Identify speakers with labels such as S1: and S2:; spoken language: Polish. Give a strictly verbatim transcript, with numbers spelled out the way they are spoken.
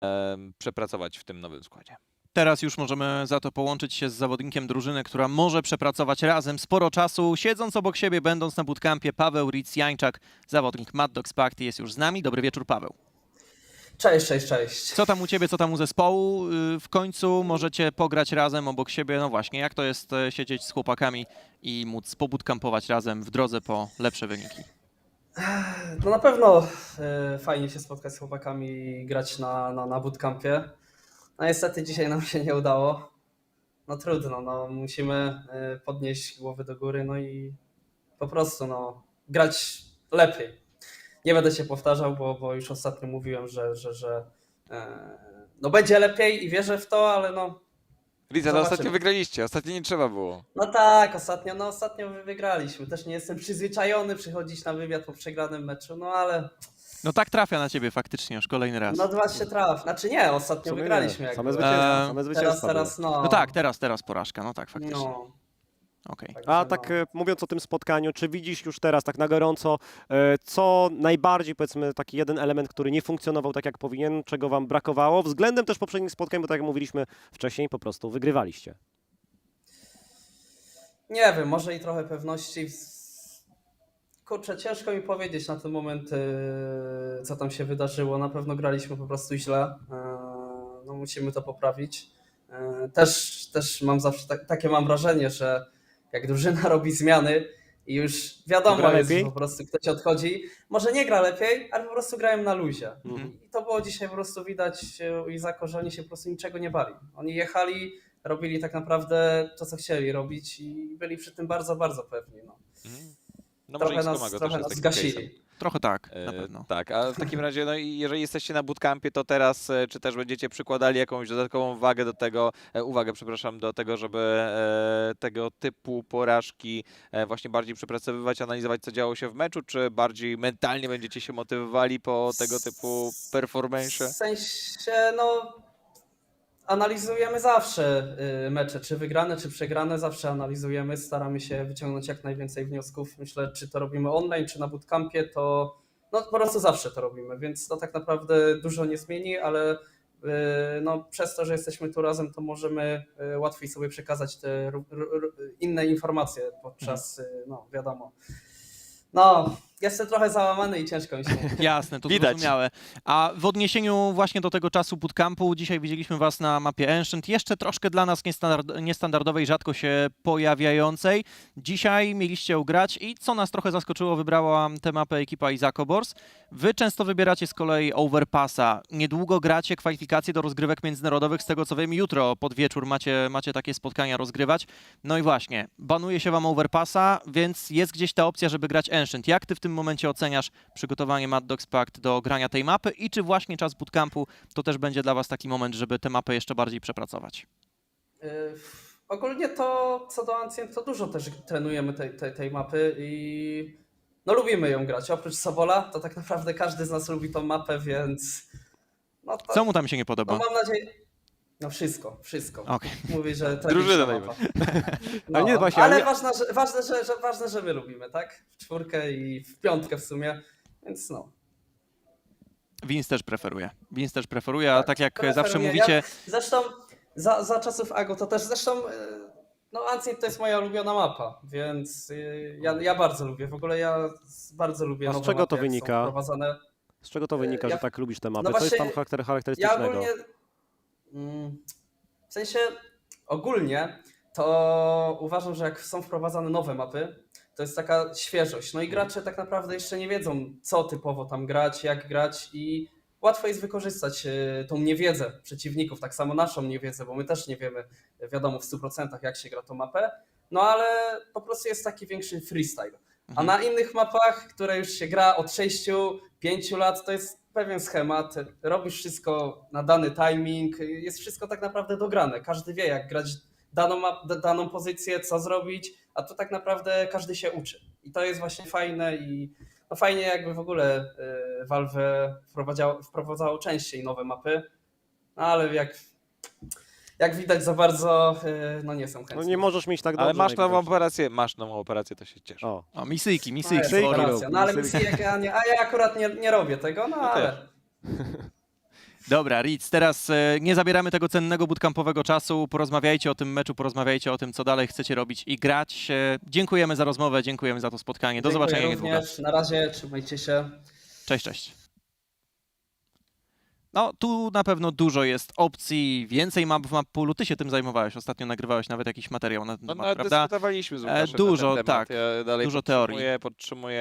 S1: em, przepracować w tym nowym składzie.
S2: Teraz już możemy za to połączyć się z zawodnikiem drużyny, która może przepracować razem sporo czasu. Siedząc obok siebie, będąc na bootcampie, Paweł Ritz-Jańczak, zawodnik Mad Dogs Pact, jest już z nami. Dobry wieczór, Paweł.
S3: Cześć, cześć, cześć.
S2: Co tam u ciebie, co tam u zespołu? Yy, W końcu możecie pograć razem obok siebie. No właśnie, jak to jest e, siedzieć z chłopakami i móc pobootcampować razem w drodze po lepsze wyniki?
S3: No na pewno e, fajnie się spotkać z chłopakami i grać na, na, na bootcampie. No niestety dzisiaj nam się nie udało. No trudno, no musimy e, podnieść głowy do góry, no i po prostu no grać lepiej. Nie będę się powtarzał, bo, bo już ostatnio mówiłem, że, że, że e, no będzie lepiej i wierzę w to, ale no
S1: Liza, no
S3: Zobaczymy.
S1: ostatnio wygraliście, ostatnio nie trzeba było.
S3: No tak, ostatnio, no ostatnio wy- wygraliśmy. Też nie jestem przyzwyczajony przychodzić na wywiad po przegranym meczu, no ale
S2: No tak trafia na ciebie faktycznie już kolejny raz.
S3: no dwa się traf. Znaczy nie,
S4: W
S3: ostatnio
S4: sumie
S3: wygraliśmy.
S4: nie.
S3: Jak
S4: Same
S3: było.
S4: zwycięstwa,
S2: Eee,
S4: same
S3: Teraz,
S4: zwycięstwa
S3: teraz no.
S2: No tak, teraz, teraz porażka. No tak, faktycznie.
S3: No,
S2: Okej.
S3: także
S4: A
S3: no.
S4: tak e, mówiąc o tym spotkaniu, czy widzisz już teraz tak na gorąco, e, co najbardziej, powiedzmy, taki jeden element, który nie funkcjonował tak jak powinien, czego wam brakowało, względem też poprzednich spotkań, bo tak jak mówiliśmy wcześniej, po prostu wygrywaliście.
S3: Nie wiem, może i trochę pewności. Kurczę, ciężko mi powiedzieć na ten moment, yy, co tam się wydarzyło. Na pewno graliśmy po prostu źle. Yy, no musimy to poprawić. Yy, też, też mam zawsze tak, takie mam wrażenie, że jak drużyna robi zmiany i już wiadomo
S4: Gra
S3: jest, że
S4: lepiej?
S3: po prostu ktoś odchodzi, może nie gra lepiej, ale po prostu grają na luzie.
S4: Mhm.
S3: I to było dzisiaj po prostu widać u Izaka, że oni się po prostu niczego nie bali. Oni jechali, robili tak naprawdę to, co chcieli robić i byli przy tym bardzo, bardzo pewni. No.
S1: Mhm. No
S3: Trochę
S1: może
S3: nas,
S1: X-Comago też
S3: trochę
S1: jest
S3: nas
S1: takim
S3: zgasili.
S1: case'em.
S2: Trochę tak, na
S1: E,
S2: pewno.
S1: Tak, a w takim razie, no i jeżeli jesteście na bootcampie, to teraz e, czy też będziecie przykładali jakąś dodatkową wagę do tego, e, uwagę, przepraszam, do tego, żeby e, tego typu porażki e, właśnie bardziej przepracowywać, analizować, co działo się w meczu, czy bardziej mentalnie będziecie się motywowali po tego typu performance?
S3: W sensie, no, analizujemy zawsze y, mecze, czy wygrane, czy przegrane, zawsze analizujemy, staramy się wyciągnąć jak najwięcej wniosków. Myślę, czy to robimy online, czy na bootcampie, to no, po prostu zawsze to robimy, więc to tak naprawdę dużo nie zmieni, ale y, no, przez to, że jesteśmy tu razem, to możemy y, łatwiej sobie przekazać te ru- ru- ru- inne informacje podczas, y, no wiadomo. No, jestem trochę załamany i ciężko mi się mówi.
S2: Jasne, to
S1: Widać.
S2: zrozumiałe. A w odniesieniu właśnie do tego czasu bootcampu, dzisiaj widzieliśmy was na mapie Ancient, jeszcze troszkę dla nas niestandard, niestandardowej, rzadko się pojawiającej. Dzisiaj mieliście ją grać i co nas trochę zaskoczyło, wybrała tę mapę ekipa Izakobors. Wy często wybieracie z kolei Overpassa. Niedługo gracie kwalifikacje do rozgrywek międzynarodowych, z tego co wiem, jutro pod wieczór macie, macie takie spotkania rozgrywać. No i właśnie, banuje się wam Overpassa, więc jest gdzieś ta opcja, żeby grać Ancient. Jak ty w tym momencie oceniasz przygotowanie Mad Dogs Pact do grania tej mapy i czy właśnie czas bootcampu to też będzie dla was taki moment, żeby tę mapę jeszcze bardziej przepracować?
S3: Y, Ogólnie to co do Ancient, to dużo też trenujemy tej, tej, tej mapy i no lubimy ją grać. Oprócz Sobola, to tak naprawdę każdy z nas lubi tą mapę, więc no to
S2: Co mu tam się nie
S3: no
S2: podoba?
S3: mam nadzieję. No wszystko, wszystko.
S2: Okej.
S3: Mówię, że
S1: Drużynę
S3: tragiczna mapa. No,
S4: Ale nie, właśnie,
S3: ale
S4: ale nie-
S3: ważne, że, ważne, że, że, ważne, że my lubimy, tak? W czwórkę i w piątkę w sumie, więc no.
S2: Vince też preferuje. Vince też preferuje, a
S3: Tak,
S2: tak jak
S3: preferuję.
S2: zawsze
S3: Ja-
S2: mówicie,
S3: Zresztą za, za czasów Ago to też zresztą y, no Ancient to jest moja ulubiona mapa, więc y, ja, ja bardzo lubię. W ogóle ja z- bardzo lubię
S4: A z
S3: nowe
S4: czego
S3: mapy,
S4: to
S3: jak są
S4: wynika?
S3: wprowadzane.
S4: Z czego to wynika,
S3: ja-
S4: że tak lubisz te mapy?
S3: no
S4: Co jest tam
S3: właśnie,
S4: charakter-
S3: Ja
S4: charakterystycznego?
S3: ogólnie mm, w sensie ogólnie to uważam, że jak są wprowadzane nowe mapy, to jest taka świeżość. No i gracze tak naprawdę jeszcze nie wiedzą, co typowo tam grać, jak grać i łatwo jest wykorzystać e, tą niewiedzę przeciwników, tak samo naszą niewiedzę, bo my też nie wiemy, wiadomo, w stu procentach jak się gra tą mapę, no ale po prostu jest taki większy freestyle. A
S2: Mhm.
S3: na innych mapach, które już się gra od sześciu pięciu lat, to jest pewien schemat, robisz wszystko na dany timing, jest wszystko tak naprawdę dograne. Każdy wie, jak grać daną, map, d- daną pozycję, co zrobić, a tu tak naprawdę każdy się uczy. I to jest właśnie fajne i no fajnie jakby w ogóle y, Valve wprowadzało, wprowadzało częściej nowe mapy, no ale jak, jak widać za bardzo, y, no nie są chętni.
S4: No nie możesz mieć tak dobrze.
S1: Ale masz nową
S4: najwidoczniej.
S1: operację, masz nową operację, to się cieszę.
S4: O,
S2: o, misyjki,
S3: No,
S2: misyjki.
S3: jest
S4: Misyjki
S3: racja.
S4: robi,
S3: No ale
S4: misyjki.
S3: misje ja nie, a ja akurat nie, nie robię tego, no
S1: Ja
S3: ale...
S1: też.
S2: Dobra, Ritz, teraz e, nie zabieramy tego cennego bootcampowego czasu. Porozmawiajcie o tym meczu, porozmawiajcie o tym, co dalej chcecie robić i grać. E, dziękujemy za rozmowę, dziękujemy za to spotkanie. Do
S3: Dziękuję
S2: zobaczenia niedługo.
S3: również. Na razie, trzymajcie się.
S2: Cześć, cześć. No, tu na pewno dużo jest opcji, więcej map w mappoolu. Ty się tym zajmowałeś, ostatnio nagrywałeś nawet jakiś materiał na ten
S1: No,
S2: temat,
S1: nawet
S2: prawda?
S1: dyskutowaliśmy z
S2: E,
S1: Łukaszem
S2: dużo,
S1: na ten temat.
S2: tak,
S1: Ja dalej
S2: dużo
S1: podtrzymuję,
S2: teorii.
S1: podtrzymuję